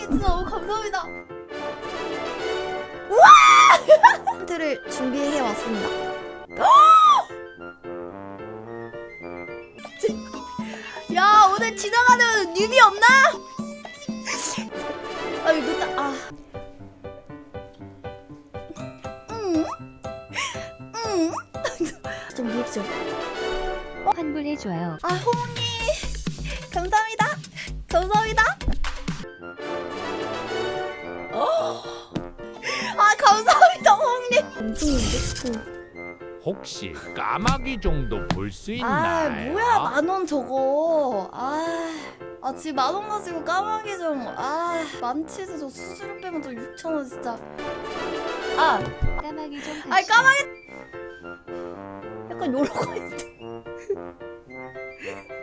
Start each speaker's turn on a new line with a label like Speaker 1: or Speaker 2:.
Speaker 1: 진짜 너무 감사합니다. 우와! 힌트를 준비해 왔습니다. 야, 오늘 지나가는 뉴비 없나? 아, 이거 딱 좀 리액션.
Speaker 2: 환불해줘요.
Speaker 1: 호모님 감사합니다. 감사합니다. 감사합니다, 호모님. 엄청인데?
Speaker 3: 혹시 까마귀 정도 볼 수 있나요?
Speaker 1: 뭐야, 10,000원 저거. 지금 10,000원 가지고 까마귀 좀. 만치즈 저 수수료 빼면 저 6,000원 진짜.
Speaker 2: 까마귀 좀
Speaker 1: 까마귀. 약간 요런 거 있는데.